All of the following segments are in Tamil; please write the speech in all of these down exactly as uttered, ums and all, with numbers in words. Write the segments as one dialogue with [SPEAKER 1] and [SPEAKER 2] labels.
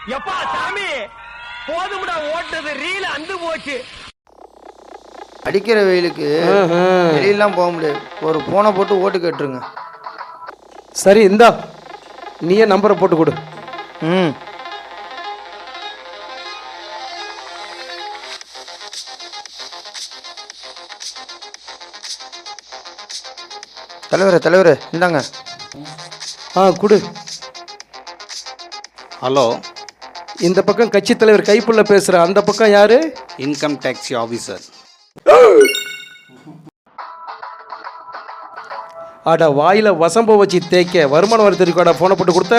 [SPEAKER 1] எப்பா சாமி போதும்டா ஓட்டது ரீல அந்து போச்சு.
[SPEAKER 2] அடிக்கிற வெயிலுக்கு வெளியெல்லாம் போக முடியாது. ஒரு போனை போட்டு ஓட்டு கேட்டுருங்க.
[SPEAKER 3] சரி இந்தா நீயே நம்பரை போட்டு கொடு.
[SPEAKER 2] ம் தலைவரே தலைவரே இந்தாங்க.
[SPEAKER 3] ஆ கொடு.
[SPEAKER 4] ஹலோ,
[SPEAKER 3] இந்த பக்கம் கட்சி தலைவர் கைப்புள்ள பேசுற, அந்த பக்கம் யாரு?
[SPEAKER 4] Income tax officer.
[SPEAKER 3] அட வாயில வசம்ப வச்சு தேய்க்க வருமான வரி தெரிவிக்காடா போனை போட்டு கொடுத்த.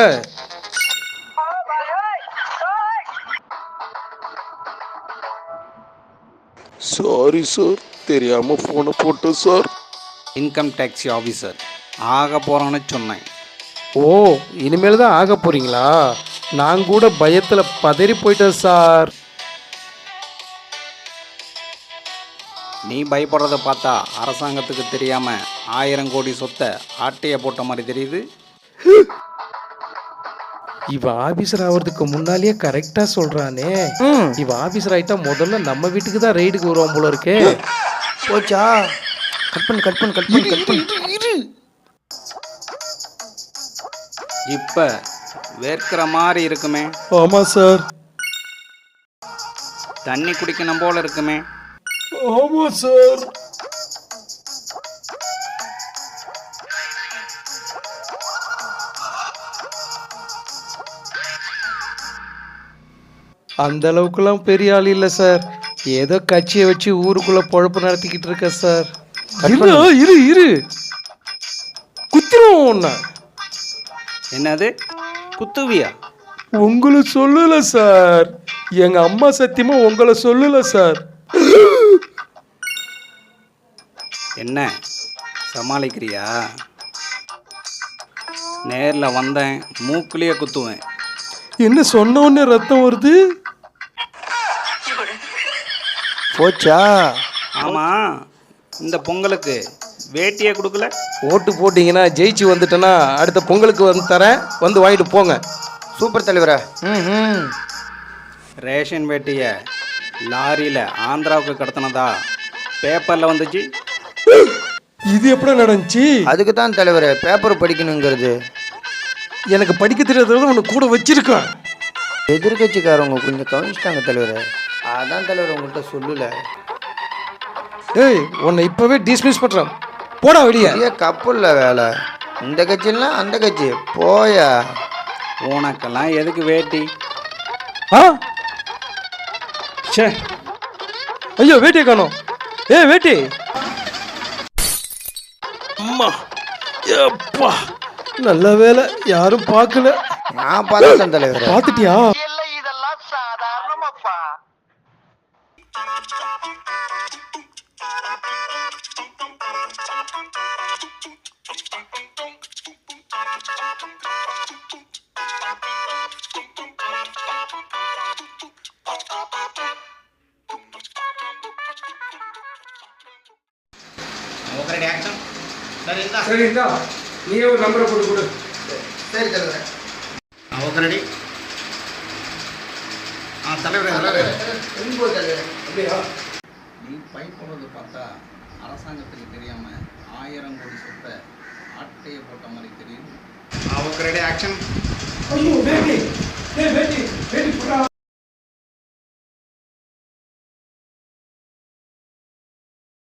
[SPEAKER 5] சாரி சார், தெரியாம போனை போட்டேன் சார்.
[SPEAKER 4] இன்கம் டேக்ஸ் ஆஃபீஸர் ஆக போறான்னு சொன்னேன்.
[SPEAKER 3] ஓ இனிமேல் தான் ஆக போறீங்களா? நான் கூட பயத்துல பதறி போயிட்டேன் சார்.
[SPEAKER 4] நீ பயப்படுறத பார்த்தா அரசாங்கத்துக்கு தெரியாம ஆயிரம் கோடி சொத்தை ஆட்டைய போட்ட மாதிரி தெரியுது.
[SPEAKER 3] இவ ஆபீசர் ஆகிறதுக்கு முன்னாலேயே கரெக்டா சொல்றானே. இவ ஆபீசர் ஆயிட்டா முதல்ல நம்ம வீட்டுக்கு தான் ரைடுக்கு வருவோம் போல இருக்கே.
[SPEAKER 2] போச்சா? கட் பண்ணு கட் பண்ணு கட் பண்ணு கட் பண்ணு.
[SPEAKER 4] இப்ப வேர்க்கிற மாதிரி இருக்குமே.
[SPEAKER 3] ஆமா சார்.
[SPEAKER 4] தண்ணி குடிக்கணும் போல இருக்குமே.
[SPEAKER 3] ஆமா சார். அந்த அளவுக்குலாம் பெரிய ஆள் இல்லை சார். ஏதோ கட்சியை வச்சு ஊருக்குள்ள பொழப்பு நடத்திக்கிட்டு இருக்க சார். இரு இரு இரு குத்திரும் ஒண்ணு.
[SPEAKER 4] என்னது குத்துவியா?
[SPEAKER 3] உங்களை சொல்லல சார். எங்க அம்மா சத்தியமா உங்களை சொல்லல சார்.
[SPEAKER 4] என்ன சமாளிக்கிறியா? நேர்ல வந்தேன், மூக்குலயே குத்துவேன்.
[SPEAKER 3] என்ன சொன்ன உடனே ரத்தம் வருது?
[SPEAKER 2] போச்சா?
[SPEAKER 4] ஆமா, இந்த பொங்கலுக்கு வேட்டியே கொடுக்கல.
[SPEAKER 3] ஓட்டு போட்டிங்கன்னா ஜெயிச்சு வந்துட்டேன்னா அடுத்த பொங்கலுக்கு வந்து தரேன், வந்து வாங்கிட்டு போங்க.
[SPEAKER 2] சூப்பர் தலைவரா. ம் ம்
[SPEAKER 4] ரேஷன் வேட்டியை லாரியில் ஆந்திராவுக்கு கடத்தினதா பேப்பரில் வந்துச்சு.
[SPEAKER 3] இது எப்படி நடந்துச்சு?
[SPEAKER 2] அதுக்கு தான் தலைவரே பேப்பர் படிக்கணுங்கிறது.
[SPEAKER 3] எனக்கு படிக்க தெரியாதது ஒன்று கூட வச்சிருக்கேன்.
[SPEAKER 2] எதிர்கட்சிக்காரவங்க கொஞ்சம் கவனிச்சிட்டாங்க தலைவரே. அதான் தலைவர் உங்கள்கிட்ட சொல்லல.
[SPEAKER 3] ஏய் உன்னை இப்பவே டிஸ்மிஸ் பண்றேன், போடா வெளியே.
[SPEAKER 2] பெரிய கப்புல்ல வேலை. இந்த கட்சிலாம் அந்த கட்சி போயா.
[SPEAKER 4] உனக்கெல்லாம் எதுக்கு வேட்டி?
[SPEAKER 3] ஆ சே ஐயோ வேட்டியை காணோம். ஏ வேட்டி. அம்மா எப்பா நல்ல வேலை யாரும் பார்க்கல.
[SPEAKER 2] நான் பார்த்தேன் தலைவர்.
[SPEAKER 3] பார்த்துட்டியா?
[SPEAKER 1] இதெல்லாம் சாதாரணமாப்பா.
[SPEAKER 3] சரி இந்தா நீ ஒரு நம்பரை போட்டு கொடு.
[SPEAKER 2] சரி தலைவரே.
[SPEAKER 4] Okay ready. ஆ தலைவரே தலைவரே
[SPEAKER 3] அப்படியா?
[SPEAKER 4] நீ பயப்படுறதை பார்த்தா அரசாங்கத்துக்கு தெரியாம ஆயிரம் கோடி சொத்தை ஆட்டையை போட்ட மாதிரி தெரியுது. Okay ready action.
[SPEAKER 3] ஐயோ வேட்டி. ஏ வேட்டி வேட்டி போடா.